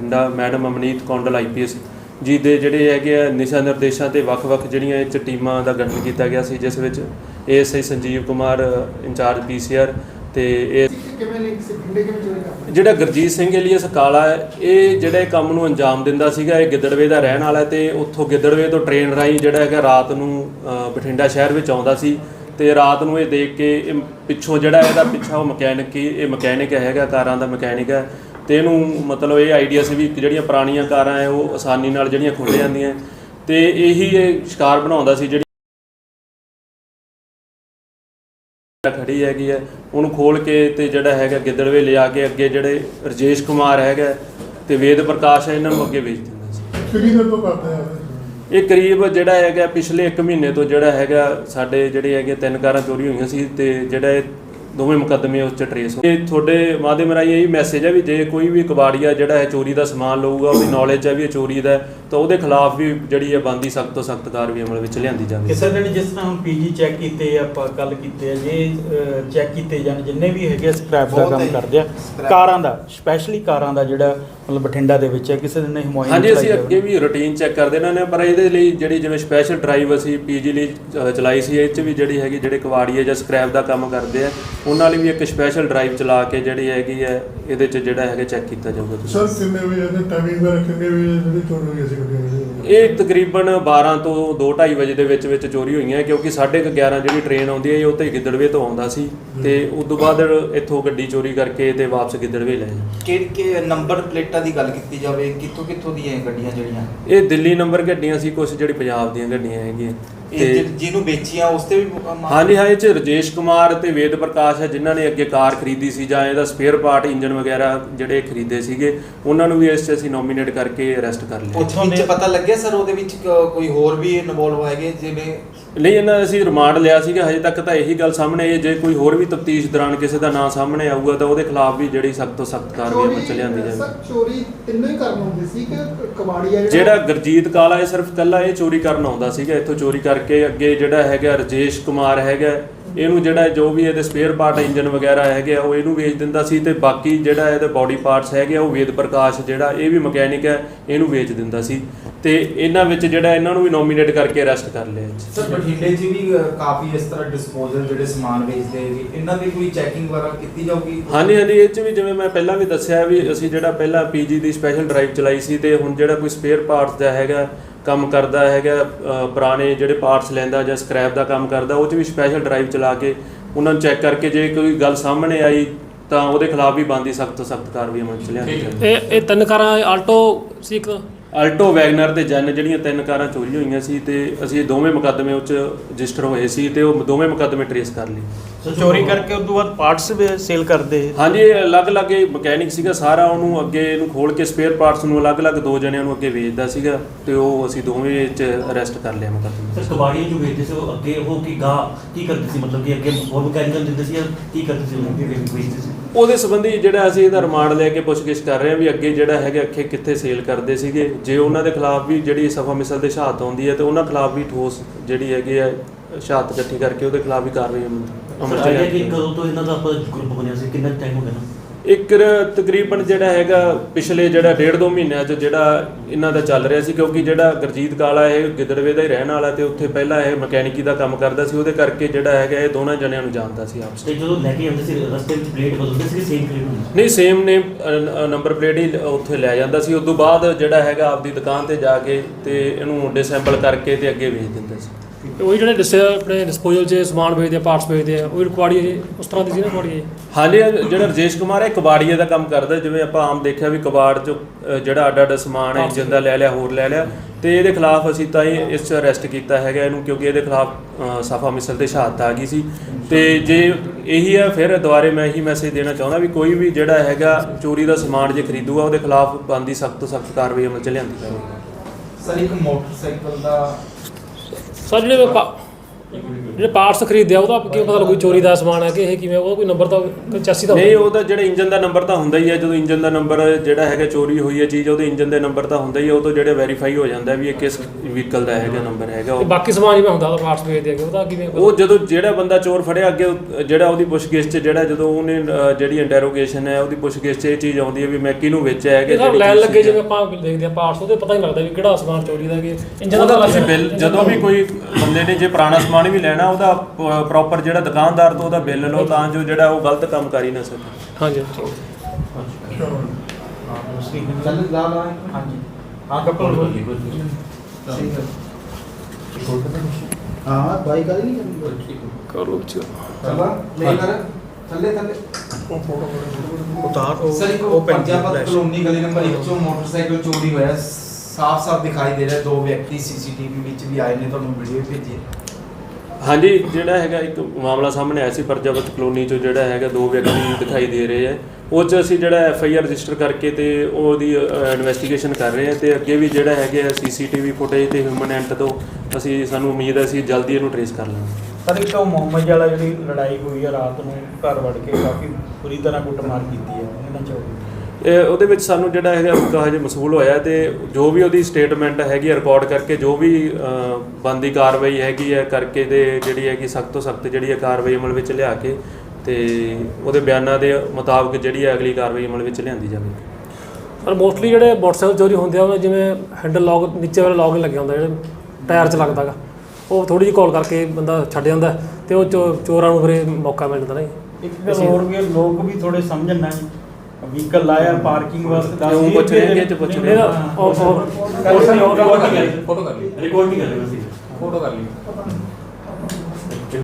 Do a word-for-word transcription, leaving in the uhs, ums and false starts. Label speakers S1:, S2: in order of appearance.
S1: Bathinda madam Amneet Kondal I P S ji ਦੇ ਜਿਹੜੇ ਹੈਗੇ ਆ ਦਿਸ਼ਾ ਨਿਰਦੇਸ਼ਾਂ ਤੇ ਵੱਖ-ਵੱਖ ਜਿਹੜੀਆਂ ਇਹ 'ਚ ਟੀਮਾਂ ਦਾ ਗਠਨ ਕੀਤਾ ਗਿਆ ਸੀ, ਜਿਸ ਵਿੱਚ A S I Sanjeev Kumar incharge P C R ਤੇ ਇਹ ਜਿਹੜਾ ਗੁਰਜੀਤ ਸਿੰਘ ਏਲੀਅਸ ਕਾਲਾ ਹੈ, ਇਹ ਜਿਹੜਾ ਕੰਮ ਨੂੰ ਅੰਜਾਮ ਦਿੰਦਾ ਸੀਗਾ। ਇਹ ਗਿੱਦੜਵੇ ਦਾ ਰਹਿਣ ਵਾਲਾ ਤੇ ਉੱਥੋਂ ਗਿੱਦੜਵੇ ਤੋਂ ਟ੍ਰੇਨ ਰਾਹੀਂ ਜਿਹੜਾ ਹੈਗਾ ਰਾਤ ਨੂੰ ਬਠਿੰਡਾ ਸ਼ਹਿਰ ਵਿੱਚ ਆਉਂਦਾ ਸੀ ਤੇ ਰਾਤ ਨੂੰ ਇਹ ਦੇਖ ਕੇ ਇਹ ਪਿੱਛੋਂ ਜਿਹੜਾ ਇਹਦਾ ਪਿੱਛਾ ਉਹ ਮਕੈਨਿਕ ਹੀ ਇਹ ਮਕੈਨਿਕ ਹੈਗਾ, ਕਾਰਾਂ ਦਾ ਮਕੈਨਿਕ ਹੈ ਤੇ ਇਹਨੂੰ ਮਤਲਬ ਇਹ ਆਈਡੀਆ ਸੀ ਵੀ ਜਿਹੜੀਆਂ ਪੁਰਾਣੀਆਂ ਕਾਰਾਂ ਹੈ ਉਹ ਆਸਾਨੀ ਨਾਲ ਜਿਹੜੀਆਂ ਖੁੱਲ੍ਹ ਜਾਂਦੀਆਂ ਤੇ ਇਹੀ ਇਹ ਸ਼ਿਕਾਰ ਬਣਾਉਂਦਾ ਸੀ। ਜਿਹੜੀ ਖੜੀ ਹੈਗੀ ਹੈ ਉਹਨੂੰ ਖੋਲ੍ਹ ਕੇ ਤੇ ਜਿਹੜਾ ਹੈਗਾ ਗਿੱਦੜਵੇ ਲਿਆ ਕੇ ਅੱਗੇ ਜਿਹੜੇ ਰਜੇਸ਼ ਕੁਮਾਰ ਹੈਗਾ ਤੇ ਵੇਦ ਪ੍ਰਕਾਸ਼ ਹੈ ਇਹਨਾਂ ਨੂੰ ਅੱਗੇ ਵੇਚ ਦਿੰਦਾ ਸੀ।
S2: ਕਿੰਨੀ ਦੇਰ ਤੋਂ ਕਰਦਾ ਹੈ
S1: ਇਹ ਕਰੀਬ ਜਿਹੜਾ ਹੈਗਾ ਪਿਛਲੇ ਇੱਕ ਮਹੀਨੇ ਤੋਂ ਜਿਹੜਾ ਹੈਗਾ ਸਾਡੇ ਜਿਹੜੇ ਹੈਗੇ ਤਿੰਨ ਕਾਰਾਂ ਚੋਰੀ ਹੋਈਆਂ ਸੀ ਤੇ ਜਿਹੜਾ ਇਹ ਦੋਵੇਂ ਮੁਕੱਦਮੇ ਉਸ 'ਚ ਟਰੇਸ ਹੋ। ਇਹ ਤੁਹਾਡੇ ਮਾਧਿਅਮ ਰਾਹੀਂ ਇਹੀ ਮੈਸੇਜ ਹੈ ਵੀ ਜੇ ਕੋਈ ਵੀ ਕਬਾੜੀਆ ਜਿਹੜਾ ਹੈ ਚੋਰੀ ਦਾ ਸਮਾਨ ਲਊਗਾ, ਉਹਦੀ ਨੌਲੇਜ ਹੈ ਵੀ ਇਹ ਚੋਰੀ ਦਾ ਤਾਂ ਉਹਦੇ ਖਿਲਾਫ ਵੀ ਜਿਹੜੀ ਹੈ ਬਣਦੀ ਸਖਤ ਤੋਂ ਸਖਤ ਕਾਰਵਾਈ ਅਮਲ ਵਿੱਚ ਲਿਆਂਦੀ ਜਾਵੇ।
S3: ਕਿਸੇ ਦਿਨ ਜਿਸ ਤਰ੍ਹਾਂ ਹੁਣ ਪੀਜੀ ਚੈੱਕ ਕੀਤੇ ਆਪਾਂ ਗੱਲ ਕੀਤੇ ਆ, ਜੇ ਚੈੱਕ ਕੀਤੇ ਜਾਣ ਜਿੰਨੇ ਵੀ ਹੈਗੇ ਸਕ੍ਰੈਪ ਦਾ ਕੰਮ ਕਰਦੇ ਆ ਕਾਰਾਂ ਦਾ, ਸਪੈਸ਼ਲੀ ਕਾਰਾਂ ਦਾ ਜਿਹੜਾ ਮਤਲਬ ਬਠਿੰਡਾ ਦੇ ਵਿੱਚ ਹੈ, ਕਿਸੇ ਦਿਨ ਇਹ ਮੁਆਇਨਾ
S1: ਹਾਂਜੀ ਅਸੀਂ ਅੱਗੇ ਵੀ ਰੂਟੀਨ ਚੈੱਕ ਕਰਦੇ ਇਹਨਾਂ ਨੇ, ਪਰ ਇਹਦੇ ਲਈ ਜਿਹੜੀ ਜਿਵੇਂ ਸਪੈਸ਼ਲ ਡਰਾਈਵ ਅਸੀਂ ਪੀਜੀ ਲਈ ਚਲਾਈ ਸੀ, ਇਹ 'ਚ ਵੀ ਜਿਹੜੀ ਹੈਗੀ ਜਿਹੜੇ ਕਬਾੜੀਏ ਜਾਂ ਸਕ੍ਰੈਪ ਦਾ ਕੰਮ ਕਰਦੇ ਆ ਉਹਨਾਂ ਲਈ ਵੀ ਇੱਕ ਸਪੈਸ਼ਲ ਡਰਾਈਵ ਚਲਾ ਕੇ ਜਿਹੜੀ ਹੈਗੀ ਹੈ ਇਹਦੇ 'ਚ ਜਿਹੜਾ ਹੈਗਾ ਚੈੱਕ ਕੀਤਾ ਜਾਊਗਾ।
S2: ਸਰ ਕਿੰਨੇ ਵਜੇ ਦੇ ਟਾਈਮਿੰਗ ਵਗੈਰਾ ਕਿੰਨੇ ਵਜੇ ਜਿਹੜੀ ਚੋਰੀ ਹੋਈ ਸੀ?
S1: ਇਹ ਤਕਰੀਬਨ ਬਾਰਾਂ ਤੋਂ ਦੋ ਢਾਈ ਵਜੇ ਦੇ ਵਿੱਚ ਵਿੱਚ ਚੋਰੀ ਹੋਈਆਂ, ਕਿਉਂਕਿ ਸਾਢੇ ਕੁ ਗਿਆਰਾਂ ਜਿਹੜੀ ਟ੍ਰੇਨ ਆਉਂਦੀ ਹੈ ਉਹ ਤਾਂ ਗਿੱਦੜਵੇ ਤੋਂ ਆਉਂਦਾ ਸੀ ਤੇ ਉਸ ਤੋਂ ਬਾਅਦ ਇੱਥੋਂ ਗੱਡੀ ਚੋਰੀ ਕਰਕੇ ਤੇ ਵਾਪਸ ਗਿੱਦੜਵੇ ਲੈ
S4: ਕਿ ਕਿ ਨੰਬਰ ਪਲੇਟਾਂ ਦੀ ਗੱਲ ਕੀਤੀ ਜਾਵੇ, ਕਿੱਥੋਂ ਕਿੱਥੋਂ ਦੀਆਂ ਗੱਡੀਆਂ ਜਿਹੜੀਆਂ
S1: ਇਹ ਦਿੱਲੀ ਨੰਬਰ ਗੱਡੀਆਂ ਸੀ, ਕੁਛ ਜਿਹੜੀ ਪੰਜਾਬ ਦੀਆਂ ਗੱਡੀਆਂ ਹੈਗੀਆਂ
S4: ਤੇ ਜਿਹਨੂੰ ਵੇਚੀਆਂ ਉਸ ਤੇ ਵੀ?
S1: ਹਾਂਜੀ ਹਾਂ, ਇਹ 'ਚ ਰਜੇਸ਼ ਕੁਮਾਰ ਤੇ ਵੇਦ ਪ੍ਰਕਾਸ਼ ਹੈ ਜਿਨ੍ਹਾਂ ਨੇ ਅੱਗੇ ਕਾਰ ਖਰੀਦੀ ਸੀ ਜਾਂ ਇਹਦਾ ਸਪੇਅਰ ਪਾਰਟ ਇੰਜਨ ਵਗੈਰਾ ਜਿਹੜੇ ਖਰੀਦੇ ਸੀਗੇ, ਉਹਨਾਂ ਨੂੰ ਵੀ ਇਸ 'ਚ ਅਸੀਂ ਨੋਮੀਨੇਟ ਕਰਕੇ ਅਰੈਸਟ ਕਰ ਲਿਆ।
S4: ਉੱਥੋਂ ਵਿੱਚ ਪਤਾ ਲੱਗਿਆ ਸਰ ਉਹਦੇ ਵਿੱਚ ਕੋਈ ਹੋਰ ਵੀ ਇਨਵੋਲਵ ਹੈਗੇ ਜਿਵੇਂ?
S1: ਨਹੀਂ, ਇਹਨਾਂ ਅਸੀਂ ਰਿਮਾਂਡ ਲਿਆ ਸੀਗਾ, ਹਜੇ ਤੱਕ ਤਾਂ ਇਹੀ ਗੱਲ ਸਾਹਮਣੇ ਆਈ ਹੈ। ਜੇ ਕੋਈ ਹੋਰ ਵੀ ਤਫਤੀਸ਼ ਦੌਰਾਨ ਕਿਸੇ ਦਾ ਨਾਂ ਸਾਹਮਣੇ ਆਊਗਾ ਤਾਂ ਉਹਦੇ ਖਿਲਾਫ ਵੀ ਜਿਹੜੀ ਸਖਤ ਤੋਂ ਸਖਤ ਕਾਰਵਾਈ ਅਮਲ 'ਚ ਲਿਆਂਦੀ ਜਾਵੇ।
S5: ਸਰ ਚੋਰੀ ਤਿੰਨੇ ਹੀ ਕਰਨ ਆਉਂਦੇ ਸੀ ਕਿ ਕਬਾੜੀਆ
S1: ਜਿਹੜਾ ਗੁਰਜੀਤ ਕਾਲਾ ਇਹ ਸਿਰਫ ਇਕੱਲਾ ਇਹ ਚੋਰੀ ਕਰਨ ਆਉਂਦਾ ਸੀਗਾ, ਇੱਥੋਂ ਚੋਰੀ ਕਰਕੇ ਅੱਗੇ ਜਿਹੜਾ ਹੈਗਾ ਰਜੇਸ਼ ਕੁਮਾਰ ਹੈਗਾ ਇਹਨੂੰ ਜਿਹੜਾ ਜੋ ਵੀ ਇਹਦੇ ਸਪੇਅਰ ਪਾਰਟ ਇੰਜਨ ਵਗੈਰਾ ਹੈਗੇ ਆ ਉਹ ਇਹਨੂੰ ਵੇਚ ਦਿੰਦਾ ਸੀ ਤੇ ਬਾਕੀ ਜਿਹੜਾ ਇਹਦੇ ਬਾਡੀ ਪਾਰਟਸ ਹੈਗੇ ਆ ਉਹ ਵੇਦ ਪ੍ਰਕਾਸ਼ ਜਿਹੜਾ ਇਹ ਵੀ ਮਕੈਨਿਕ ਹੈ ਇਹਨੂੰ ਵੇਚ ਦਿੰਦਾ ਸੀ ਤੇ ਇਹਨਾਂ ਵਿੱਚ ਜਿਹੜਾ ਇਹਨਾਂ ਨੂੰ ਵੀ ਨੋਮੀਨੇਟ ਕਰਕੇ ਅਰੈਸਟ ਕਰ ਲਿਆ।
S4: ਸਰ ਬਠਿੰਡੇ 'ਚ ਵੀ ਕਾਫੀ ਇਸ ਤਰ੍ਹਾਂ ਡਿਸਪੋਜ਼ਲ ਜਿਹੜੇ ਸਮਾਨ ਵੇਚਦੇ ਹੈਗੇ, ਇਹਨਾਂ ਦੀ ਕੋਈ ਚੈਕਿੰਗ ਵਗੈਰਾ ਕੀਤੀ ਜਾਊਗੀ?
S1: ਹਾਂਜੀ ਹਾਂਜੀ, ਇਹ 'ਚ ਵੀ ਜਿਵੇਂ ਮੈਂ ਪਹਿਲਾਂ ਵੀ ਦੱਸਿਆ ਵੀ ਅਸੀਂ ਜਿਹੜਾ ਪਹਿਲਾਂ ਪੀਜੀ ਦੀ ਸਪੈਸ਼ਲ ਡਰਾਈਵ ਚਲਾਈ ਸੀ ਤੇ ਹੁਣ ਜਿਹੜਾ ਕੋਈ ਸਪੇਅਰ ਪਾਰਟਸ ਦਾ ਹੈਗਾ ਕੰਮ ਕਰਦਾ ਹੈਗਾ, ਪੁਰਾਣੇ ਜਿਹੜੇ ਪਾਰਟਸ ਲੈਂਦਾ ਜਾਂ ਸਕ੍ਰੈਪ ਦਾ ਕੰਮ ਕਰਦਾ, ਉਹ 'ਚ ਵੀ ਸਪੈਸ਼ਲ ਡਰਾਈਵ ਚਲਾ ਕੇ ਉਹਨਾਂ ਨੂੰ ਚੈੱਕ ਕਰਕੇ ਜੇ ਕੋਈ ਗੱਲ ਸਾਹਮਣੇ ਆਈ ਤਾਂ ਉਹਦੇ ਖਿਲਾਫ ਵੀ ਬਣਦੀ ਸਖਤ ਤੋਂ ਸਖਤ ਕਾਰਵਾਈ ਅਮਲ 'ਚ ਲਿਆਂਦੀ ਜਾਵੇ।
S6: ਇਹ ਇਹ ਤਿੰਨ ਕਾਰਾਂ ਆਲਟੋ ਸੀ, ਇੱਕ
S1: ਆਲਟੋ ਵੈਗਨਰ ਤੇ ਜੈਨ ਜਿਹੜੀਆਂ ਤਿੰਨ ਕਾਰਾਂ ਚੋਰੀ ਹੋਈਆਂ ਸੀ ਤੇ ਅਸੀਂ ਦੋਵੇਂ ਮੁਕੱਦਮੇ ਉਹ 'ਚ ਰਜਿਸਟਰ ਹੋਏ ਸੀ ਤੇ ਉਹ ਦੋਵੇਂ ਮੁਕੱਦਮੇ ਟਰੇਸ ਕਰ ਲਏ।
S3: ਸੋ ਚੋਰੀ ਕਰਕੇ ਉਸ ਤੋਂ ਬਾਅਦ ਪਾਰਟਸ ਵੀ ਸੇਲ ਕਰਦੇ?
S1: ਹਾਂਜੀ, ਅਲੱਗ-ਅਲੱਗ ਮਕੈਨਿਕ ਸੀਗਾ ਸਾਰਾ, ਉਹਨੂੰ ਅੱਗੇ ਇਹਨੂੰ ਖੋਲ ਕੇ ਸਪੇਅਰ ਪਾਰਟਸ ਨੂੰ ਅਲੱਗ-ਅਲੱਗ ਦੋ ਜਣਿਆਂ ਨੂੰ ਅੱਗੇ ਵੇਚਦਾ ਸੀਗਾ ਤੇ ਉਹ ਅਸੀਂ ਦੋਵੇਂ 'ਚ ਅਰੈਸਟ ਕਰ ਲਿਆ ਮੁਕੱਦਮੇ।
S7: ਸਰ ਕਬਾੜੀ ਜੋ ਵੇਚਦੇ ਸੀ ਉਹ ਅੱਗੇ ਉਹ ਕੀ ਗਾ ਕੀ ਕਰਦੇ ਸੀ, ਮਤਲਬ ਕਿ ਅੱਗੇ ਹੋਰ ਮਕੈਨਿਕਲ ਦਿੰਦੇ ਸੀ ਜਾਂ ਕੀ ਕਰਦੇ ਸੀ ਉਹ ਵੇਚਦੇ ਸੀ?
S1: ਉਹਦੇ ਸੰਬੰਧੀ ਜਿਹੜਾ ਅਸੀਂ ਇਹਦਾ ਰਿਮਾਂਡ ਲੈ ਕੇ ਪੁੱਛਗਿੱਛ ਕਰ ਰਹੇ ਹਾਂ ਵੀ ਅੱਗੇ ਜਿਹੜਾ ਹੈਗਾ ਅੱਖੇ ਕਿੱਥੇ ਸੇਲ ਕਰਦੇ ਸੀਗੇ, ਜੇ ਉਹਨਾਂ ਦੇ ਖਿਲਾਫ ਵੀ ਜਿਹੜੀ ਸਫਾ ਮਿਸਲ ਦੇ ਸ਼ਹਾਦਤ ਆਉਂਦੀ ਹੈ ਤੇ ਉਹਨਾਂ ਖਿਲਾਫ ਵੀ ਠੋਸ ਜਿਹੜੀ ਹੈਗੀ ਹੈ ਸ਼ਹਾਦਤ ਇਕੱਠੀ ਕਰਕੇ ਉਹਦੇ ਖਿਲਾਫ ਵੀ ਕਾਰਵਾਈ ਅਮਲ 'ਚ ਲਿਆਂਦੀ।
S7: ਕਦੋਂ ਤੋਂ ਇਹਨਾਂ ਦਾ ਆਪਾਂ ਗਰੁੱਪ ਬਣਿਆ ਸੀ, ਕਿੰਨਾ ਟਾਈਮ ਹੋ ਗਿਆ ਨਾ?
S1: ਇੱਕ ਤਕਰੀਬਨ ਜਿਹੜਾ ਹੈਗਾ ਪਿਛਲੇ ਜਿਹੜਾ ਡੇਢ ਦੋ ਮਹੀਨਿਆਂ 'ਚ ਜਿਹੜਾ ਇਹਨਾਂ ਦਾ ਚੱਲ ਰਿਹਾ ਸੀ, ਕਿਉਂਕਿ ਜਿਹੜਾ ਗੁਰਜੀਤ ਕਾਲਾ ਇਹ ਗਿੱਦੜਵੇ ਦਾ ਹੀ ਰਹਿਣ ਵਾਲਾ ਤੇ ਉੱਥੇ ਪਹਿਲਾਂ ਇਹ ਮਕੈਨਿਕੀ ਦਾ ਕੰਮ ਕਰਦਾ ਸੀ, ਉਹਦੇ ਕਰਕੇ ਜਿਹੜਾ ਹੈਗਾ ਇਹ ਦੋਨਾਂ ਜਣਿਆਂ ਨੂੰ ਜਾਣਦਾ ਸੀ ਆਪਸ
S7: ਤੇ ਜਦੋਂ ਲੈ ਕੇ ਆਉਂਦੇ ਸੀ ਰਸਤੇ ਵਿੱਚ ਪਲੇਟ ਬਦਲਦੇ ਸੀ, ਸੇਮ ਪਲੇਟ ਹੁੰਦੀ?
S1: ਨਹੀਂ, ਸੇਮ ਨੇ ਨੰਬਰ ਪਲੇਟ ਹੀ ਉੱਥੇ ਲੈ ਜਾਂਦਾ ਸੀ। ਉਸ ਤੋਂ ਬਾਅਦ ਜਿਹੜਾ ਹੈਗਾ ਆਪਦੀ ਦੁਕਾਨ ਤੇ ਜਾ ਕੇ ਤੇ ਇਹਨੂੰ ਡਿਸੈਂਬਲ ਕਰਕੇ ਤੇ ਅੱਗੇ ਵੇਚ ਦਿੰਦਾ ਸੀ।
S6: ਉਹੀ ਜਿਹੜੇ ਡਿਸ ਆਪਣੇ ਡਿਸਪੋਜ਼ਲ 'ਚ ਸਮਾਨ ਵੇਚਦੇ ਆ, ਪਾਰਟਸ ਵੇਚਦੇ ਆ, ਉਹ ਕਬਾੜੀਏ ਉਸ ਤਰ੍ਹਾਂ ਦੀ ਸੀ ਨਾ ਕਬਾੜੀਏ?
S1: ਹਾਲੇ ਜਿਹੜਾ ਰਜੇਸ਼ ਕੁਮਾਰ ਹੈ ਕਬਾੜੀਏ ਦਾ ਕੰਮ ਕਰਦਾ, ਜਿਵੇਂ ਆਪਾਂ ਆਮ ਦੇਖਿਆ ਵੀ ਕਬਾੜ 'ਚ ਜਿਹੜਾ ਅੱਡ ਅੱਡ ਸਮਾਨ ਹੈ ਇੰਜਨ ਦਾ ਲੈ ਲਿਆ ਹੋਰ ਲੈ ਲਿਆ ਤੇ ਇਹਦੇ ਖਿਲਾਫ ਅਸੀਂ ਤਾਂ ਇਹ ਇਸ 'ਚ ਅਰੈਸਟ ਕੀਤਾ ਹੈਗਾ ਇਹਨੂੰ, ਕਿਉਂਕਿ ਇਹਦੇ ਖਿਲਾਫ ਸਫਾ ਮਿਸਲ ਤੇ ਸ਼ਹਾਦਤ ਆ ਗਈ ਸੀ ਤੇ ਜੇ ਇਹੀ ਹੈ ਫਿਰ ਦੁਬਾਰੇ ਮੈਂ ਇਹੀ ਮੈਸੇਜ ਦੇਣਾ ਚਾਹੁੰਦਾ ਵੀ ਕੋਈ ਵੀ ਜਿਹੜਾ ਹੈਗਾ ਚੋਰੀ ਦਾ ਸਮਾਨ ਜੇ ਖਰੀਦੂਗਾ ਉਹਦੇ ਖਿਲਾਫ ਬਣਦੀ ਸਖਤ ਤੋਂ ਸਖਤ ਕਾਰਵਾਈ ਅਮਲ 'ਚ ਲਿਆਂਦੀ ਜਾਵੇਗੀ।
S4: ਸਰ ਇੱਕ ਮੋਟਰਸਾਈਕਲ ਦਾ
S6: ਸਰ ਜਿਹੜੇ ਜਿਹੜੇ ਪਾਰਟਸ ਖਰੀਦਦੇ ਆ ਉਹਦਾ ਕੀ ਪਤਾ ਲੱਗੂ ਚੋਰੀ ਦਾ ਸਮਾਨ ਹੈ ਕਿ ਇਹ ਕਿਵੇਂ, ਉਹਦਾ ਕੋਈ ਨੰਬਰ ਤਾਂ ਚੈਸੀ ਦਾ
S1: ਨਹੀਂ, ਉਹਦਾ ਜਿਹੜਾ ਇੰਜਨ ਦਾ ਨੰਬਰ ਤਾਂ ਹੁੰਦਾ ਹੀ ਹੈ। ਜਦੋਂ ਇੰਜਨ ਦਾ ਨੰਬਰ ਜਿਹੜਾ ਹੈਗਾ ਚੋਰੀ ਹੋਈ ਹੈ ਚੀਜ਼, ਉਹਦੇ ਇੰਜਨ ਦੇ ਨੰਬਰ ਤਾਂ ਹੁੰਦਾ ਹੀ ਹੈ। ਉਹ ਤੋਂ ਜਿਹੜੇ ਵੈਰੀਫਾਈ ਹੋ ਜਾਂਦਾ ਵੀ ਇਹ ਕਿਸ ਵਹੀਕਲ ਦਾ ਹੈਗਾ ਨੰਬਰ ਹੈਗਾ।
S6: ਤੇ
S1: ਉਹ
S6: ਬਾਕੀ ਸਮਾਨ ਜਿਵੇਂ ਹੁੰਦਾ ਉਹਦਾ ਪਾਰਟਸ ਵੇਚਦੇ ਆ ਉਹਦਾ ਕਿਵੇਂ
S1: ਉਹ ਜਦੋਂ ਜਿਹੜਾ ਬੰਦਾ ਚੋਰ ਫੜਿਆ ਅੱਗੇ ਉਹ ਜਿਹੜਾ ਉਹਦੀ ਪੁੱਛਗਿੱਛ 'ਚ ਜਿਹੜਾ ਜਦੋਂ ਉਹਨੇ ਅ, ਜਿਹੜੀ ਇੰਟਰੋਗੇਸ਼ਨ ਹੈ ਉਹਦੀ ਪੁੱਛਗਿੱਛ 'ਚ ਇਹ ਚੀਜ਼ ਆਉਂਦੀ ਹੈ ਵੀ ਮੈਂ ਕਿਹਨੂੰ ਵੇਚਿਆ ਹੈਗਾ।
S6: ਇਹਦਾ ਲੈਣ ਲੱਗੇ ਜਿਵੇਂ ਆਪਾਂ ਦੇਖਦੇ ਆ ਪਾਰਟਸ, ਉਹਦੇ ਪਤਾ ਨਹੀਂ ਲੱਗਦਾ ਵੀ ਕਿਹੜਾ ਸਮਾਨ ਚੋਰੀ ਦਾ ਕਿ ਇੰਜਨ
S1: ਉਹਦਾ
S6: ਦਾ
S1: ਤੁਸੀਂ ਬਿੱਲ ਜਦੋਂ ਵੀ ਕੋਈ ਬੰਦੇ ਨੇ ਜੇ ਪੁਰਾਣਾ ਸਮਾਨ ਵੀ ਲੈਣਾ ਉਹਦਾ ਪ੍ਰੋਪਰ ਜਿਹੜਾ ਦੁਕਾਨਦਾਰ ਤੋਂ ਉਹਦਾ ਬਿੱਲ ਲਓ ਤਾਂ ਜੋ ਜਿਹੜਾ ਉਹ ਗਲਤ ਕੰਮ ਕਰ ਹੀ ਨਾ ਸਕੇ।
S6: ਹਾਂਜੀ
S2: ਚਲੋ
S4: ਚੱਲ ਲਾ ਲਾ
S3: ਹਾਂਜੀ ਹਾਂ ਕਪਲ
S5: ਹਾਂ ਬਾਈ ਗੱਲ ਨਹੀਂ ਕਰਨੀ
S6: ਕਰੋ ਚ
S4: ਚੱਲਾ ਲੈ ਕਰ ਥੱਲੇ ਥੱਲੇ
S3: ਉਤਾਰ
S4: ਸਰ ਇੱਕ ਉਹ ਪੰਜਾਬਤ ਕਲੋਨੀ ਗਲੀ ਨੰਬਰ ਇੱਕ ਚੋਂ ਮੋਟਰਸਾਈਕਲ ਚੋਰੀ ਹੋਇਆ, ਸਾਫ਼-ਸਾਫ਼ ਦਿਖਾਈ ਦੇ ਰਿਹਾ। ਦੋ ਵਿਅਕਤੀ ਸੀਸੀਟੀਵੀ ਵਿੱਚ ਵੀ ਆਏ ਨੇ, ਤੁਹਾਨੂੰ ਵੀਡੀਓ ਭੇਜੀ ਹੈ।
S1: ਹਾਂਜੀ, ਜਿਹੜਾ ਹੈਗਾ ਇੱਕ ਮਾਮਲਾ ਸਾਹਮਣੇ ਆਇਆ ਸੀ ਪ੍ਰਜਾਪਤ ਕਲੋਨੀ 'ਚੋਂ ਜਿਹੜਾ ਹੈਗਾ ਦੋ ਵਿਅਕਤੀ ਦਿਖਾਈ ਦੇ ਰਹੇ ਹੈ। ਉਹ 'ਚ ਅਸੀਂ ਜਿਹੜਾ ਐਫ ਆਈ ਆਰ ਰਜਿਸਟਰ ਕਰਕੇ ਤੇ ਉਹਦੀ ਇਨਵੈਸਟੀਗੇਸ਼ਨ ਕਰ ਰਹੇ ਹਾਂ ਤੇ ਅੱਗੇ ਵੀ ਜਿਹੜਾ ਹੈਗੇ ਸੀਸੀਟੀਵੀ ਫੁਟੇਜ ਤੇ ਹਿਊਮਨ ਐਂਟ ਤੋਂ ਅਸੀਂ ਸਾਨੂੰ ਉਮੀਦ ਹੈ ਅਸੀਂ ਜਲਦੀ ਇਹਨੂੰ ਟਰੇਸ ਕਰ ਲਾਂਗੇ।
S3: ਪਰ ਇੱਕ ਉਹ ਮੁਹੰਮਦ ਵਾਲਾ ਜਿਹੜੀ ਲੜਾਈ ਹੋਈ ਹੈ ਰਾਤ ਨੂੰ ਘਰ ਵੜ ਕੇ ਕਾਫੀ ਬੁਰੀ ਤਰ੍ਹਾਂ ਕੁੱਟਮਾਰ ਕੀਤੀ ਹੈ ਇਹਨਾਂ ਚੋਂ,
S1: ਇਹ ਉਹਦੇ ਵਿੱਚ ਸਾਨੂੰ ਜਿਹੜਾ ਹੈਗਾ ਉਹ ਹਜੇ ਮਸੂਲ ਹੋਇਆ ਤੇ ਜੋ ਵੀ ਉਹਦੀ ਸਟੇਟਮੈਂਟ ਹੈਗੀ ਰਿਕਾਰਡ ਕਰਕੇ ਜੋ ਵੀ ਬਣਦੀ ਕਾਰਵਾਈ ਹੈਗੀ ਹੈ ਕਰਕੇ ਤੇ ਜਿਹੜੀ ਹੈਗੀ ਸਖਤ ਤੋਂ ਸਖਤ ਜਿਹੜੀ ਹੈ ਕਾਰਵਾਈ ਅਮਲ ਵਿੱਚ ਲਿਆ ਕੇ ਤੇ ਉਹਦੇ ਬਿਆਨਾਂ ਦੇ ਮੁਤਾਬਕ ਜਿਹੜੀ ਹੈ ਅਗਲੀ ਕਾਰਵਾਈ ਅਮਲ ਵਿੱਚ ਲਿਆਂਦੀ ਜਾਵੇ।
S6: ਪਰ ਮੋਸਟਲੀ ਜਿਹੜੇ ਮੋਟਰਸਾਈਕਲ ਚੋਰੀ ਹੁੰਦੇ ਆ ਉਹ ਜਿਵੇਂ ਹੈਂਡਲ ਲੌਕ ਨੀਚੇ ਵਾਲਾ ਲੌਕ ਲੱਗਿਆ ਹੁੰਦਾ ਜਿਹੜੇ ਟਾਇਰ 'ਚ ਲੱਗਦਾ ਗਾ, ਉਹ ਥੋੜ੍ਹੀ ਜਿਹੀ ਕਾਲ ਕਰਕੇ ਬੰਦਾ ਛੱਡ ਜਾਂਦਾ ਤੇ ਉਹ ਚੋ ਚੋਰਾਂ ਨੂੰ ਫਿਰ ਮੌਕਾ ਮਿਲ ਜਾਂਦਾ ਨਾ ਜੀ।
S3: ਇੱਕ ਗੱਲ ਹੋਰ ਵੀ ਹੈ, ਲੋਕ ਵੀ ਥੋੜੇ ਸਮਝਣ ਨਾ ਵਹੀਕਲ ਲਾਇਆ ਪਾਰਕਿੰਗ ਵਾਸਤੇ
S1: ਤੇ ਉਹ ਪੁੱਛ ਰਹੇ ਕਿ ਪੁੱਛ ਰਹੇ
S6: ਉਹ ਉਹ
S7: ਫੋਟੋ ਕਰ ਲਈ ਰਿਕਾਰਡ ਨਹੀਂ ਕਰ ਰਹੇ ਸੀ, ਫੋਟੋ ਕਰ ਲਈ
S4: ਫੋਟੋ ਕਰ ਲਈ